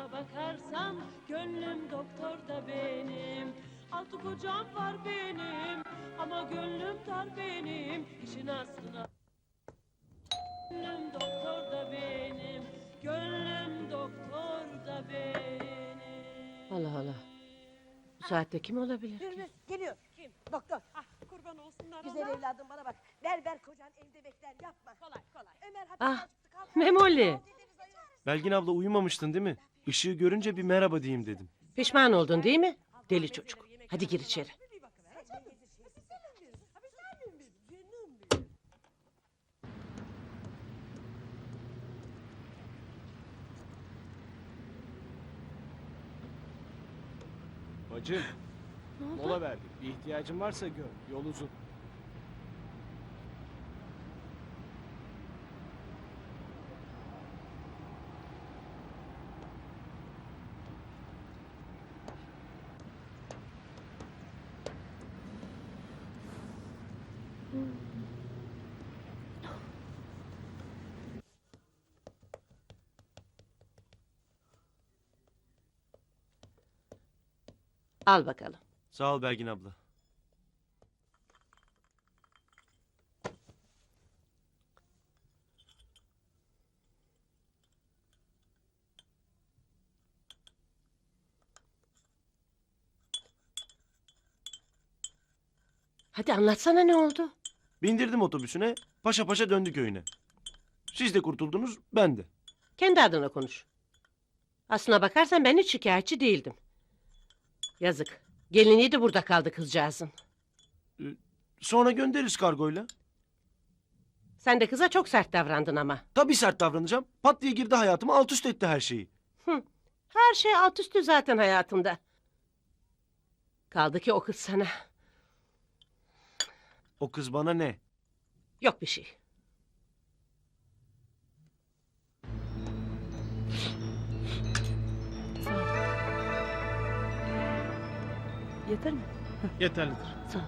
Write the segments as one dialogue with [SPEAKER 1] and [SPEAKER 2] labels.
[SPEAKER 1] Aslına bakarsam gönlüm doktorda benim. Altı kocam var benim ama gönlüm dar benim. İşin aslına gönlüm doktorda benim. Gönlüm doktorda benim.
[SPEAKER 2] Allah Allah. Bu saatte kim olabilir?
[SPEAKER 3] Hürmüz geliyor.
[SPEAKER 1] Kim?
[SPEAKER 3] Doktor.
[SPEAKER 1] Ah kurban olsunlar
[SPEAKER 3] Güzel
[SPEAKER 1] ona.
[SPEAKER 3] evladım bana bak. Ver kocan evde bekler yapma.
[SPEAKER 1] Kolay kolay.
[SPEAKER 3] Ömer
[SPEAKER 2] Ah,
[SPEAKER 3] hapisten çıktı. Kalk.
[SPEAKER 2] Memoli.
[SPEAKER 4] Belgin abla uyumamıştın değil mi? Işığı görünce bir merhaba diyeyim dedim.
[SPEAKER 2] Pişman oldun değil mi? Deli çocuk. Hadi gir içeri.
[SPEAKER 5] Bacım, mola verdik. Bir ihtiyacın varsa gör. Yol uzun.
[SPEAKER 2] Al bakalım.
[SPEAKER 4] Sağ ol Belgin abla.
[SPEAKER 2] Hadi anlatsana ne oldu?
[SPEAKER 4] Bindirdim otobüsüne, paşa paşa döndü köyüne. Siz de kurtuldunuz, ben de.
[SPEAKER 2] Kendi adına konuş. Aslına bakarsan ben hiç şikayetçi değildim. Yazık. Gelinliği de burada kaldı kızcağızın.
[SPEAKER 4] Sonra göndeririz kargoyla.
[SPEAKER 2] Sen de kıza çok sert davrandın ama.
[SPEAKER 4] Tabii sert davranacağım. Pat diye girdi hayatıma, alt üst etti her şeyi.
[SPEAKER 2] Her şey alt üstü zaten hayatımda. Kaldı ki o kız sana.
[SPEAKER 4] O kız bana ne?
[SPEAKER 2] Yok bir şey.
[SPEAKER 6] Yeter mi?
[SPEAKER 5] Yeterlidir.
[SPEAKER 6] Sağ ol.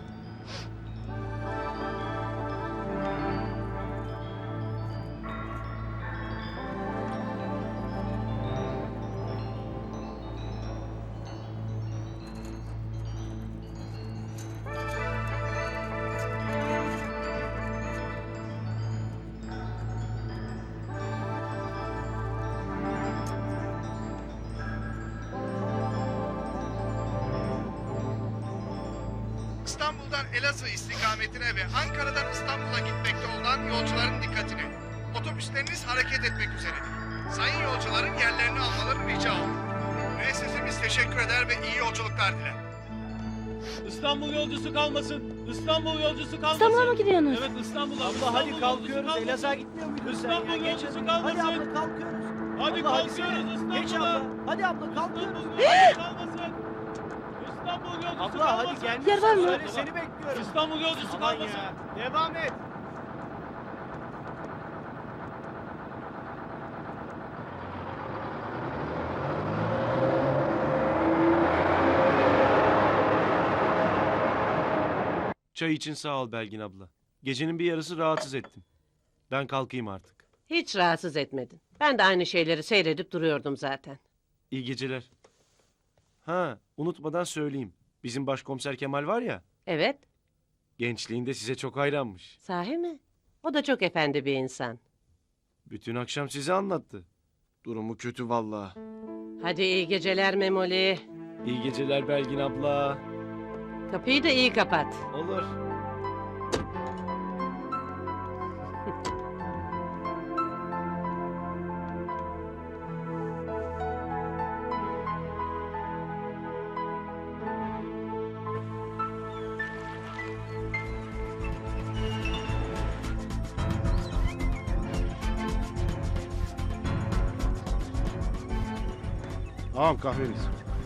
[SPEAKER 7] İstanbul'dan Elazığ istikametine ve Ankara'dan İstanbul'a gitmekte olan yolcuların dikkatine. Otobüsleriniz hareket etmek üzeredir. Sayın yolcuların yerlerini almaları rica olunur. Müessesemiz teşekkür eder ve iyi yolculuklar diler.
[SPEAKER 5] İstanbul yolcusu kalmasın. İstanbul yolcusu kalmasın.
[SPEAKER 6] İstanbul'a mı gidiyorsunuz?
[SPEAKER 5] Evet İstanbul'a.
[SPEAKER 8] Abla hadi kalkıyoruz. Elazığ'a gitmiyor muydun sen ya?
[SPEAKER 5] İstanbul
[SPEAKER 8] Geç
[SPEAKER 5] yolcusu
[SPEAKER 8] hadi.
[SPEAKER 5] kalmasın.
[SPEAKER 8] Hadi abla kalkıyoruz.
[SPEAKER 5] Hadi
[SPEAKER 8] Abla,
[SPEAKER 5] kalkıyoruz İstanbul'a.
[SPEAKER 8] Geç abla. Hadi abla kalkıyoruz.
[SPEAKER 5] İstanbul yolcusu kalmasın. İstanbul yolcusu
[SPEAKER 8] Abla
[SPEAKER 5] kalmasın.
[SPEAKER 8] hadi gel.
[SPEAKER 6] Yer var mı?
[SPEAKER 8] Söyle, seni bekliyorum.
[SPEAKER 5] İstanbul yolcusu
[SPEAKER 8] Aman
[SPEAKER 5] kalmasın.
[SPEAKER 8] ya. Devam et.
[SPEAKER 4] Çay için sağ ol Belgin abla. Gecenin bir yarısı rahatsız ettim. Ben kalkayım artık.
[SPEAKER 2] Hiç rahatsız etmedin. Ben de aynı şeyleri seyredip duruyordum zaten.
[SPEAKER 4] İyi geceler. Ha, unutmadan söyleyeyim. Bizim başkomiser Kemal var ya,
[SPEAKER 2] Evet,
[SPEAKER 4] gençliğinde size çok hayranmış.
[SPEAKER 2] sahi mi? O da çok efendi bir insan.
[SPEAKER 4] Bütün akşam size anlattı. Durumu kötü vallahi.
[SPEAKER 2] Hadi iyi geceler Memoli.
[SPEAKER 4] İyi geceler Belgin abla.
[SPEAKER 2] Kapıyı da iyi kapat.
[SPEAKER 4] Olur.
[SPEAKER 5] Tamam kahveniz.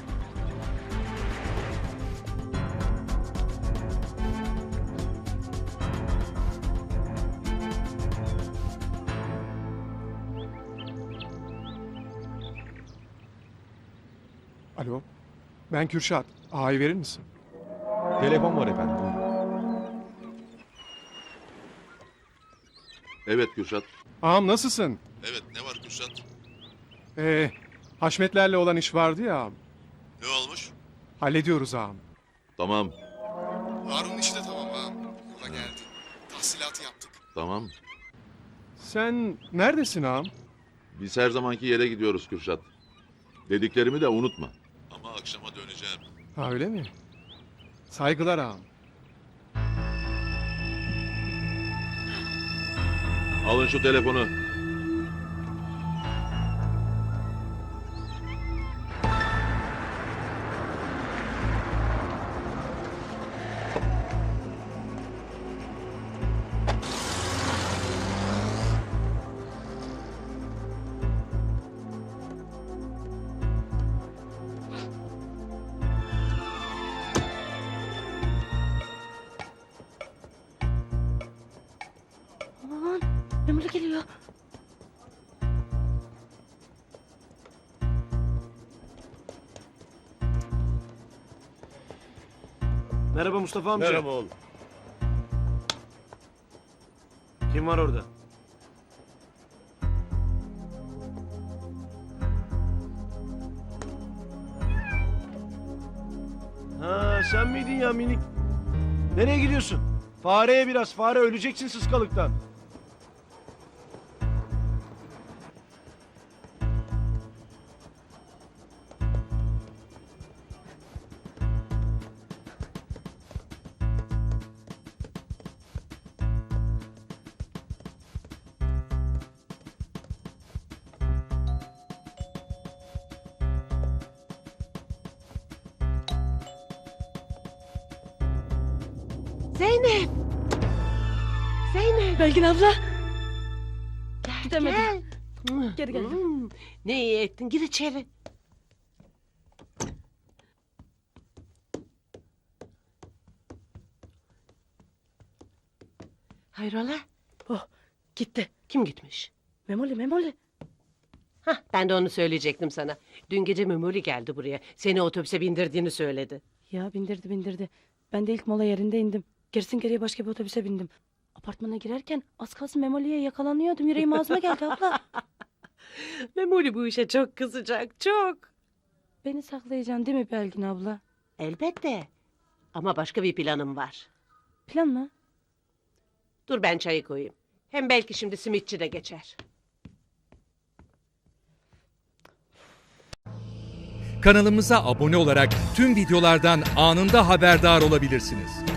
[SPEAKER 9] Alo, ben Kürşat. Ağayı verir misin?
[SPEAKER 10] Telefon var efendim. Buyurun.
[SPEAKER 11] Evet Kürşat.
[SPEAKER 9] Ağam nasılsın?
[SPEAKER 11] Evet ne var Kürşat?
[SPEAKER 9] Ee, Haşmetlerle olan iş vardı ya ağam.
[SPEAKER 10] Ne olmuş?
[SPEAKER 9] Hallediyoruz ağam.
[SPEAKER 10] Tamam,
[SPEAKER 9] Harun'un işi de tamam ağam. Yola geldi. Tahsilatı yaptık.
[SPEAKER 10] tamam.
[SPEAKER 9] Sen neredesin ağam?
[SPEAKER 10] Biz her zamanki yere gidiyoruz Kürşat. Dediklerimi de unutma. Ama akşama döneceğim.
[SPEAKER 9] Ha öyle mi? Saygılar ağam.
[SPEAKER 10] Alın şu telefonu.
[SPEAKER 6] Aman Memoli geliyor.
[SPEAKER 4] Merhaba Mustafa amca.
[SPEAKER 10] Merhaba oğlum.
[SPEAKER 4] Kim var orada? Ha sen miydin ya minik? Nereye gidiyorsun? Fareye biraz, fare öleceksin sıskalıktan.
[SPEAKER 2] Zeynep! Zeynep!
[SPEAKER 6] Belgin abla.
[SPEAKER 2] Gel,
[SPEAKER 6] Gidemedim.
[SPEAKER 2] gel.
[SPEAKER 6] Geri geldim.
[SPEAKER 2] Ne iyi ettin. Gir içeri. Hayrola?
[SPEAKER 6] Oh gitti.
[SPEAKER 2] Kim gitmiş?
[SPEAKER 6] Memoli.
[SPEAKER 2] Hah, ben de onu söyleyecektim sana. Dün gece Memoli geldi buraya. Seni otobüse bindirdiğini söyledi.
[SPEAKER 6] Ya bindirdi. Ben de ilk mola yerinde indim. Gerisin geriye başka bir otobüse bindim. Apartmana girerken az kalsın Memoli'ye yakalanıyordum. Yüreğim ağzıma geldi abla.
[SPEAKER 2] Memoli bu işe çok kızacak, çok.
[SPEAKER 6] Beni saklayacaksın değil mi Belgin abla?
[SPEAKER 2] Elbette. Ama başka bir planım var.
[SPEAKER 6] Plan mı?
[SPEAKER 2] Dur ben çayı koyayım. Hem belki şimdi simitçi de geçer.
[SPEAKER 11] Kanalımıza abone olarak tüm videolardan anında haberdar olabilirsiniz.